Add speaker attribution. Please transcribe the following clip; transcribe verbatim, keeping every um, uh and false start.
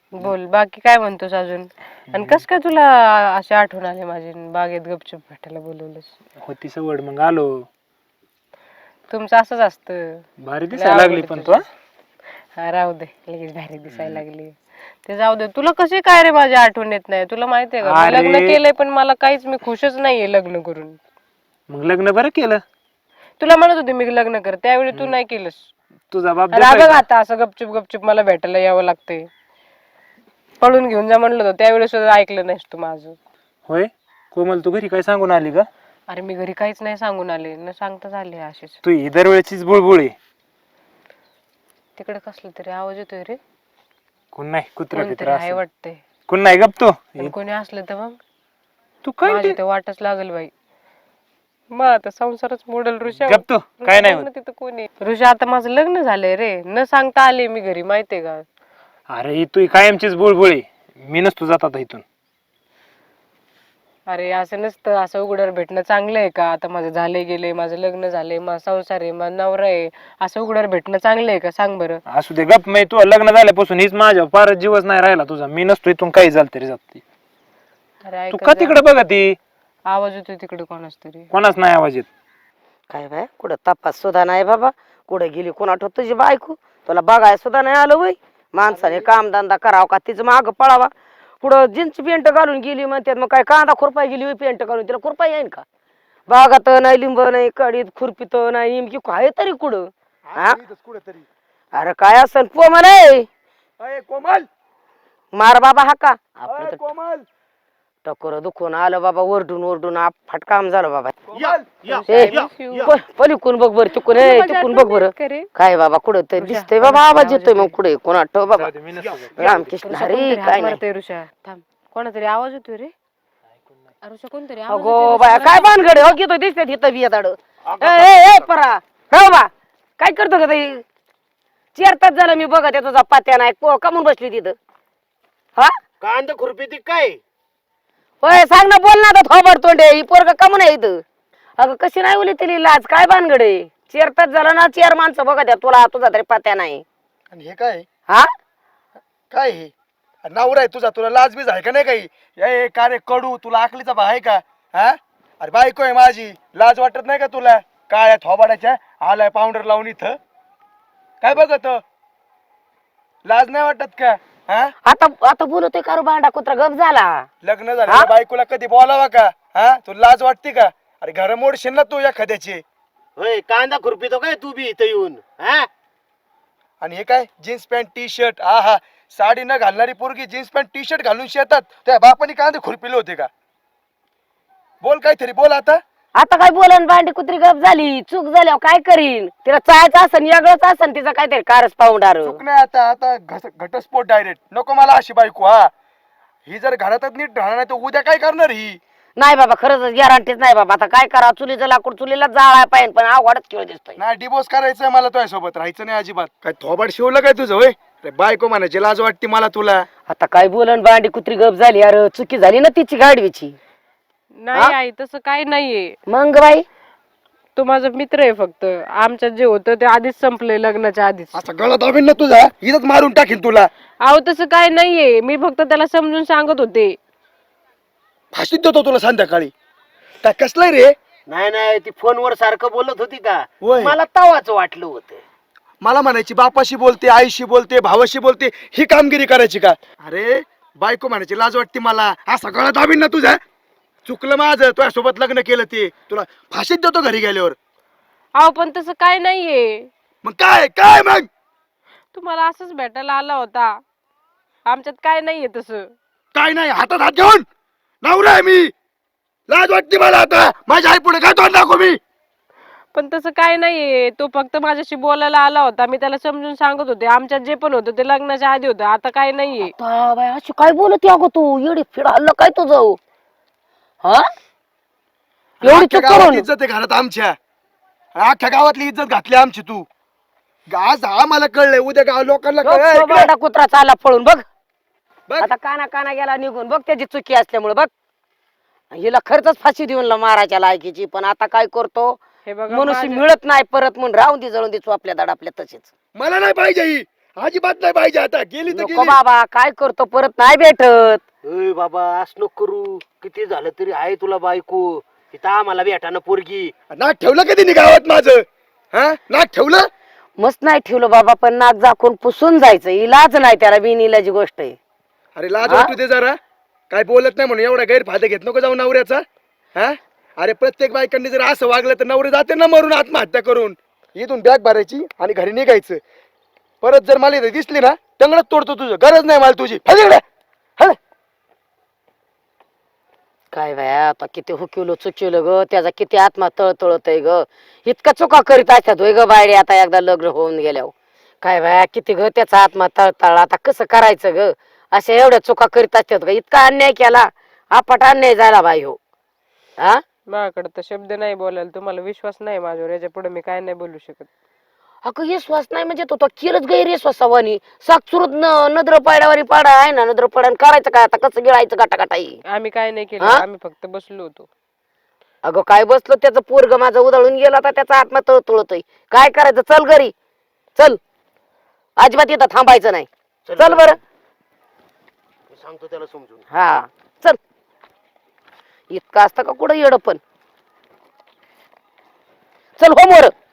Speaker 1: बोल बाकी काय म्हणतोस अजून. आणि कस काय तुला अशी आठवण आली माझी बागेत गपचूप भेटायला बोलवलंस.
Speaker 2: होती सवड मग आलो.
Speaker 1: तुमचं असंच असतं.
Speaker 2: भारी
Speaker 1: लय
Speaker 2: दिसायला
Speaker 1: अवघड
Speaker 2: लागली
Speaker 1: आहे
Speaker 2: पण तू
Speaker 1: तुझं. हा राहू दे लगेच भारी दिसायला लागली. ते जाऊ दे. तुला कशी काय रे माझी आठवण येत नाही. तुला माहितीये का मी
Speaker 2: अरे.
Speaker 1: लग्न केलंय पण मला काहीच मी खुशच नाहीये लग्न करून.
Speaker 2: मग लग्न बरं केलं.
Speaker 1: तुला म्हणत होते मी लग्न कर त्यावेळी तू नाही केलंस.
Speaker 2: तुझा बाप
Speaker 1: आणि
Speaker 2: देतोय
Speaker 1: बघ
Speaker 2: का?
Speaker 1: आता असं गपचूप गपचूप मला भेटायला यावं लागतंय. पळून घेऊन जा म्हणलं होतं त्यावेळी सुद्धा ऐकलं नाहीस तू माझं.
Speaker 2: होय कोमल तू घरी काय सांगून आली का?
Speaker 1: अरे मी घरी काहीच नाही सांगून आले न सांगताच आले अशीच.
Speaker 2: तू ही दरवेळचीच बुळबुळ आहे.
Speaker 1: तिकडे कसलं तरी आवाज येतोय रे.
Speaker 2: कोण नाही कुत्रा
Speaker 1: कोणतरी
Speaker 2: फित्रा
Speaker 1: आहे
Speaker 2: असं.
Speaker 1: वाटतंय.
Speaker 2: कोण नाही गप तू.
Speaker 1: पण कोणी असलं तर मग
Speaker 2: तू काय
Speaker 1: माझी
Speaker 2: ते-
Speaker 1: तर वाटच लागल बाई. मग आता संसारच मोडल ऋषा.
Speaker 2: गप तू काय नाही होत.
Speaker 1: तिथं कोणी ऋषा आता माझं लग्न झालंय रे न सांगता आले मी घरी माहितीये का.
Speaker 2: अरे ही तू कायमचीच बुळबुळ आहे. मी नसतो जात आता इथून.
Speaker 1: अरे असं नसतं. असं उघड्यावर भेटणं चांगलं आहे का. आता माझं झालंय गेलंय माझं लग्न झालंय माझा संसार आहे माझा नवरा आहे. असं उघड्यावर भेटणं चांगलं आहे का सांग बरं.
Speaker 2: असू दे गप. मी तू लग्न झाल्यापासून हीच माझ्या फारच जीवच नाही राहिला तुझा. मी नसतो इथून काही झालं तरी जात.
Speaker 1: अरे
Speaker 2: तू
Speaker 1: ऐक
Speaker 2: का तिकडे बघा ती
Speaker 1: आवाज येतोय तिकडे कोणाच तरी.
Speaker 2: कोणाच नाही आवाज येत.
Speaker 3: काय बाय कुठं तपास सुद्धा नाही बाबा. कुठं गेली कोणा ठेवत तुझी बायको. तुला बघाय सुद्धा नाही आलं वय. माणसाने कामधंदा करावा का तिचं माग पळावा. पुढं जीन्स पेंट घालून गेली म्हणतात मग काय कांदा खुरपाय गेली होय पेंट घालून तिला खुरपा येईन का. बागात नाही लिंब नाही कडीत खुरपीत नाही नेमकी काय तरी कुठं हा अरे काय असन पो म्हणे
Speaker 2: कोमल
Speaker 3: मार बाबा हा का आपलं तर
Speaker 2: कोमल
Speaker 3: टकोर दुखून आलं बाबा ओरडून ओरडून आप फटकाम झालं बाबा.
Speaker 2: या, या,
Speaker 3: ए,
Speaker 2: या, या.
Speaker 3: प- पलीकडून बघ बर तिकून ए
Speaker 1: माझी
Speaker 3: तिकून
Speaker 1: आठवण
Speaker 3: बघ बर
Speaker 1: येत का रे?
Speaker 3: काय बाबा कुठं तर दिसतंय
Speaker 1: ऋषा,
Speaker 3: बाबा आवाज
Speaker 1: आवाज
Speaker 3: येतोय मग
Speaker 1: येतोय.
Speaker 3: कुठे कोणा ठेव बाबा
Speaker 2: जाऊ दे, मी नसतो जात.
Speaker 3: रामकृष्ण
Speaker 1: ऋषा
Speaker 3: हरी
Speaker 1: कोणतरी
Speaker 3: काय
Speaker 1: हाक
Speaker 3: नाही.
Speaker 1: मारतोय ऋषा थांब. कोणातरी आवाज येतोय रे. ऋषा कोणतरी आवाज
Speaker 3: अगो
Speaker 1: येतोय
Speaker 3: बाया
Speaker 1: ऋषा.
Speaker 3: काय भानगडे हो घेतो दिसते तिथं बिया दाड ए परा हो बा काय करतो का ताई चार तास झालं मी बघत आहे तुझा पात्या नाही को- कमून बसली तिथं हा
Speaker 4: कांदा खुरपी ती काय
Speaker 3: होय सांग ना बोल ना आता थोबड तोंडे ही पोरग कमून आहे इथं. अगं कशी नाही उली तिली लाज काय भानगडे चार तास झालं ना चार माणसं बघत आहे तुला तुझा तरी पात्या नाही
Speaker 4: आणि हे काय
Speaker 3: हा
Speaker 4: काय हे नवरा आहे तुझा तुला लाज बीज आहे का नाही काही ए का रे कडू तुला आकलीचा भा आहे का हा अरे बायको आहे माझी लाज वाटत नाही का तुला काळ्या थोबाडाच्या आलाय पावडर लावून इथं काय बघत लाज नाही वाटत का हा
Speaker 3: आता आता बोलतोय का रे भांडा कुत्रा गप झाला
Speaker 4: लग्न झालं बायकोला कधी बोलावा का हा तुला लाज वाटते का अरे घर मोडशील ना तू एखाद्याची
Speaker 5: होय कांदा खुरपितो काय तू बी इथं येऊन हा
Speaker 4: आणि हे काय जीन्स पॅन्ट टी शर्ट हा हा साडी न घालणारी पोरगी जीन्स पॅन्ट टी शर्ट घालून शेतात त्या बापाने कांदे खुरपिले होते का बोल काहीतरी बोल आता
Speaker 3: आता काय बोलन भांडी कुत्री गप झाली चूक झाल्यावर काय करीन तिला चायचं असन वेगळंच असन तिचं काहीतरी कारच पाहुणार
Speaker 4: चूक नाही आता आता घस- घटस्फोट डायरेक्ट नको मला अशी बायको हा ही जर घरातच नीट राहणार नाही तर उद्या काय करणार ही
Speaker 3: नाही बाबा खरंच गॅरंटीच नाही बाबा आता काय करा चुलीचं लाकूड चुलीला जाळाय पाहिजे पण अवघडच खेळ दिसतोय
Speaker 4: नाही डिवोर्स करायचंय मला तुझ्या सोबत राहायचं नाही अजिबात काय थोबाड शिवलं काय तुझं होय अरे बायको म्हणायची लाज वाटते मला तुला
Speaker 3: आता काय बोलन भांडी कुत्री गप झाली अरे चुकी झाली ना तिची गाडवीची
Speaker 1: नाही आई तसं काही नाहीये.
Speaker 3: मग बाई
Speaker 1: तो माझा मित्र आहे फक्त. आमच्यात जे होतं ते आधीच संपलंय लग्नाच्या आधीच.
Speaker 4: असा गळा दाबीन ना तुझा इथंच मारून टाकील तुला
Speaker 1: अहो तसं काय नाहीये. मी फक्त त्याला समजून सांगत होते.
Speaker 4: फाशीत देतो तुला संध्याकाळी काय कसलंय रे
Speaker 5: नाही नाही ती फोनवर सारखं बोलत होती का
Speaker 4: होय.
Speaker 5: मला तवाच वाटलं होतं
Speaker 4: मला म्हणायची बापाशी बोलते आईशी बोलते भावाशी बोलते ही कामगिरी करायची का अरे बायको म्हणायची लाज वाटते मला हा सगळा दाबीन ना तुझा चुकलं माझं तुझ्या सोबत लग्न केलं ते तुला फाशीत देतो घरी गेल्यावर
Speaker 1: अहो पण तसं काय नाहीये.
Speaker 4: मग काय काय मग
Speaker 1: तुम्हाला असंच भेटायला आला होता. आमच्यात काय नाहीये तसं.
Speaker 4: काय नाही हातात हात घेऊन नवरा आहे मी लाज वाटते मला आता माझ्या आई पुढे काय तोंड दाखव मी
Speaker 1: पण तसं काय नाहीये. तो फक्त माझ्याशी बोलायला आला होता. मी त्याला समजून सांगत होते. आमच्यात जे पण होतं ते लग्नाच्या आधी होतं. आता काय नाहीये.
Speaker 3: आता बाई अशी काय बोलत अगो तू एवढी फिड हल्लं काय तुझं हा एवढी
Speaker 4: अख्ख्या
Speaker 3: चूक
Speaker 4: गावात
Speaker 3: करून
Speaker 4: इज्जत आहे घरात आमच्या अख्ख्या गावातली इज्जत घातली आमची तू आज हा मला कळलंय उद्या गाव लोकांना
Speaker 3: गप
Speaker 4: कळलंय
Speaker 3: तो
Speaker 4: इकडे.
Speaker 3: भांडा कुत्रा चालला पळून बघ
Speaker 4: बघ.
Speaker 3: आता काना काना गेला निघून बघ त्याची चुकी असल्यामुळे बघ हिला खरंच फाशी देऊन ला मारायच्या लायकीची पण आता काय करतो
Speaker 1: हे बघा
Speaker 3: मनुष्य
Speaker 1: माझ्या-
Speaker 3: मिळत नाही परत म्हणून राहून दे जळून दे आपल्या दाड आपल्या तसेच
Speaker 4: मला नाही पाहिजे ही अजिबात नाही पाहिजे आता गेली तर
Speaker 3: नको
Speaker 4: गेली
Speaker 3: बाबा काय करतो परत नाही भेटत.
Speaker 5: अय बाबा असं नको करू, किती झालं तरी आहे तुला बायको. इथं आम्हाला भेटाना पोरगी.
Speaker 4: नाक ठेवलं कधी नी गावात माझं? हा नाक ठेवलं?
Speaker 3: मस्त नाही ठेवलं बाबा, पण नाक झाकून पुसून जायचं, इलाज नाही त्याला, बिनइलाजी गोष्ट आहे.
Speaker 4: अरे लाज
Speaker 3: हा?
Speaker 4: वाटू दे जरा, काय बोलत नाही म्हणून एवढा गैरफायदा घेत नको जाऊ नवऱ्याचा. हा अरे प्रत्येक बायकांनी जर असं वागलं तर नवरे जाते ना मरून आत्महत्या करून. इथून बॅग भरायची आणि घरी निघायचं. परत जर मला इथे दिसली ना टंगडच तोडतो तुझं, गरज नाही मला तुझी. हल इकडे. हल.
Speaker 3: काय बाया आता किती हुकिवलं चुकिवलं ग, त्याचा किती आत्मा तळतळत आहे ग, इतका चुका करीत असतात होय ग बायडे आता एकदा लग्न होऊन गेल्यावर. काय बाया किती ग त्याचा आत्मा तळतळ, आता कसं करायचं ग, अशा एवढ्या चुका करीत असतात ग, इतका अन्याय केला, आपट अन्याय झाला बाई हो. हा
Speaker 1: माझ्याकडे तर शब्द नाही बोलायला, तुम्हाला विश्वास नाही माझ्यावर, याच्या पुढे मी काय नाही बोलू शकत.
Speaker 3: अगं विश्वास नाही म्हणजे तो तो केलंच गैरविश्वासावानी, साक्षुरत नद्र पाड्यावारी पाडा आहे ना, नद्र पाड्यान करायचं काय आता, कसं गिळायचं गाटागाटाई.
Speaker 1: आम्ही काय नाही केलं,
Speaker 3: हा?
Speaker 1: आम्ही फक्त बसलो होतो.
Speaker 3: अगं काय बसलो, त्याचं पोरग माझं उधळून गेलं, आता त्याचा आत्मा तळतळतोय, काय करायचं, चल घरी चल, अजिबात इथं थांबायचं नाही, चल बरं.
Speaker 5: मी सांगतो त्याला समजून.
Speaker 3: हा चल, इतकं असतं का कुठं येडं पण, चल हो मोर.